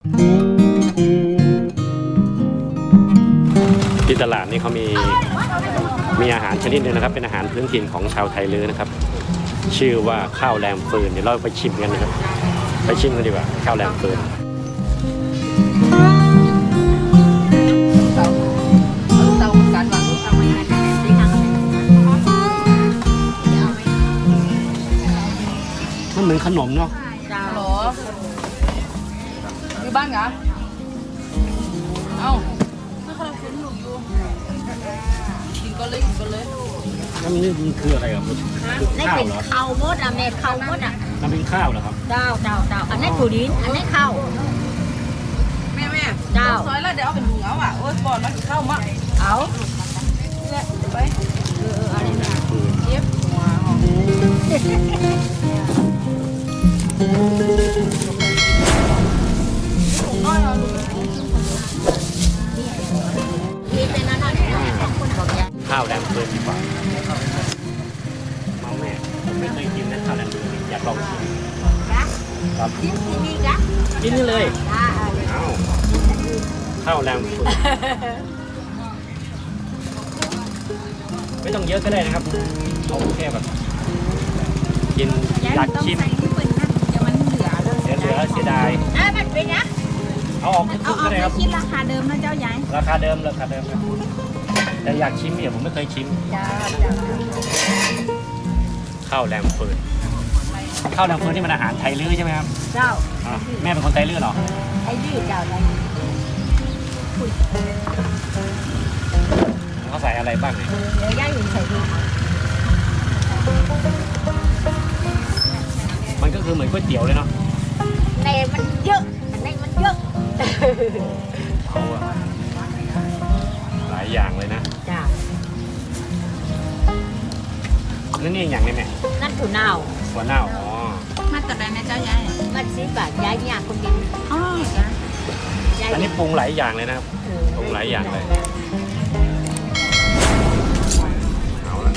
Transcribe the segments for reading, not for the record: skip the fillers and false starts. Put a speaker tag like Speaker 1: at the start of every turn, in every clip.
Speaker 1: ที่ตลาดนี่เขามีอาหารชนิดหนึ่งนะครับเป็นอาหารพื้นถิ่นของชาวไทยลื้อนะครับ ชื่อว่าข้าวแรมฟืนเดี๋ยวเราไปชิมกันนะครับไปชิมกันดีกว่าข้าวแรมฟืนมันเหมือนขนมเนาะ
Speaker 2: หรออยู่บ้านเหรอเอ้าไม่ค่อยคุ้นหนูอยู่กินก็เลย
Speaker 1: แล้วมันนี่คืออะไรครับ
Speaker 3: นี่เป็นข้าวมดอะเม็ดข้าวมดอะ
Speaker 1: น้ำเป็นข้าวเหรอครับ
Speaker 3: เจ้าอันนี้ถั่วดินอันนี้ข้าว
Speaker 2: แม่เจ้าซอยแล้วเดี๋ยวเอาเป็นถุงเอาอ่ะโอ้ยบอลมาถึงข้าวมาเอาเนี่ยไป
Speaker 3: อะไรนะ
Speaker 2: เย็บหัวน้อยเอา
Speaker 3: มีเป็นอะไรของคนบอกยัง
Speaker 1: ข้าวแรมฟืนดีกว่ามาแม่ผมไม่เคยกินนะข้าวแรมฟืนอยากลองชิมครับ
Speaker 3: กินที่นี่กะ
Speaker 1: กินนี่เลยข้าวแรมฟืนไม่ต้องเยอะก็ได้นะครับเอาแค่แบบกินอยากชิม
Speaker 2: จะมันเหลือ
Speaker 1: เสียดาย
Speaker 3: มันเป็นนะ
Speaker 1: เอาออกทุกก็ได้ครับ
Speaker 2: คิดราคาเดิมนะเจ้าใหญ่
Speaker 1: ราคาเดิมแต่อยากชิมเนี่ยผมไม่เคยชิมข้าวแรมฟืนนี่มันอาหารไทยลื้อใช่ไหมครับ
Speaker 3: เจ้า
Speaker 1: แม่เป็นคนไทยลื้อเหรอ
Speaker 3: ไทยลื้อเจ้าอะไร
Speaker 1: เขาใส่อะไรบ้างเนี่ย
Speaker 3: เดี๋ยวย่าอยู่ใส่ดู
Speaker 1: มันก็คือเหมือนก๋วยเตี๋ยวเลยเนาะ
Speaker 3: ในมันเยอะ
Speaker 1: เอาอะหลายอย่างเลยนะ
Speaker 3: จ้า
Speaker 1: แล้วนี่อย่างนี้แม่
Speaker 3: นั่นถั่วเน่า
Speaker 1: อ๋อ
Speaker 2: มาแต่ไหนแม่เจ้าใหญ่
Speaker 3: มันซื้อบาทย้ายยากคนเดียว
Speaker 2: อ๋อจ้ะ
Speaker 1: อันนี้ปรุงหลายอย่างเลยนะครับปรุงหลายอย่างเลยเอาละ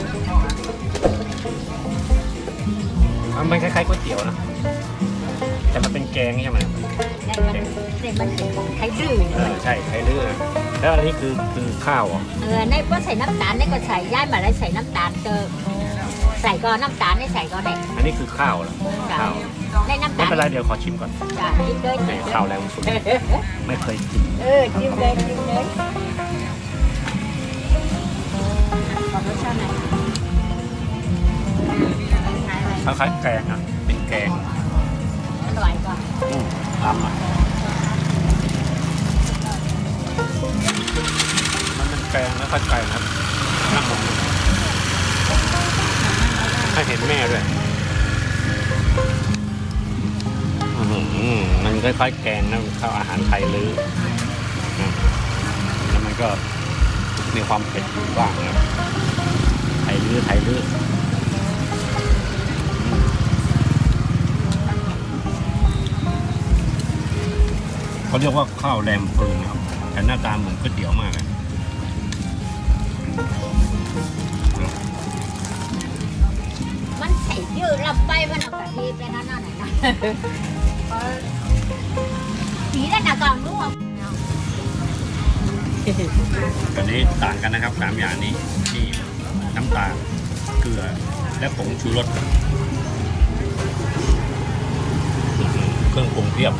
Speaker 1: มันคล้ายๆก๋วยเตี๋ยวนะแต่มันเป็นแกงใช่ไหม
Speaker 3: เนี่ยมันไทยลื้อ
Speaker 1: ใช่ไทยลื้อแล้วอันนี้คือข้าว
Speaker 3: ในก็ใส่น้ำตาลในก็ใส่ย้ายมาแล้วใส่น้ำตาลเจอใส่ก็น้ำตาลในใส่ก็ได้
Speaker 1: อันนี้คือข้าวเหรอข้าว
Speaker 3: ในน้ำตาล
Speaker 1: ไม่เป็นไรเดี๋ยวขอชิมก่อน
Speaker 3: ชิมเลย
Speaker 1: ข้าวแล้วสุดไม่เคยกิน
Speaker 3: ชิมเลยขอรสชาติไหน
Speaker 1: คล้ายๆแกงอ่ะเป็นแกง
Speaker 3: อร่อยกว่า
Speaker 1: ทำอ่ะมันเป็นแกงแล้วค่อยไก่นะครับนั่งลงให้เห็นแม่ด้วยมันคล้ายๆแกงนะข้าวอาหารไทยลื้อแล้วมันก็มีความเผ็ดอยู่บ้างนะไทยลื้อเขาเรียกว่าข้าวแรมฟืนนะครับแต่หน้าตาเหมือนก๋วยเตี๋ยวมากเลย
Speaker 3: มันใส่ยืดลำไปมันเอากะทิไปนั่นน่ะนะสีนั่นน่ะก่อนรู้
Speaker 1: อันนี้ต่างกันนะครับ3อย่างนี้ที่น้ำตาลเกลือและผงชูรสเครื่องปรุงเพียบ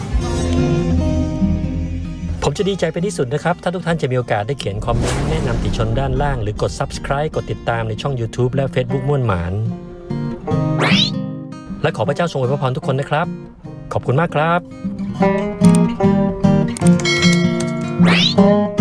Speaker 1: ผมจะดีใจเป็นที่สุดนะครับถ้าทุกท่านจะมีโอกาสได้เขียนคอมเมนต์แนะนำติชมด้านล่างหรือกด Subscribe กดติดตามในช่อง YouTube และ Facebook ม่วนหมานและขอพระเจ้าทรงอวยพรทุกคนนะครับขอบคุณมากครับ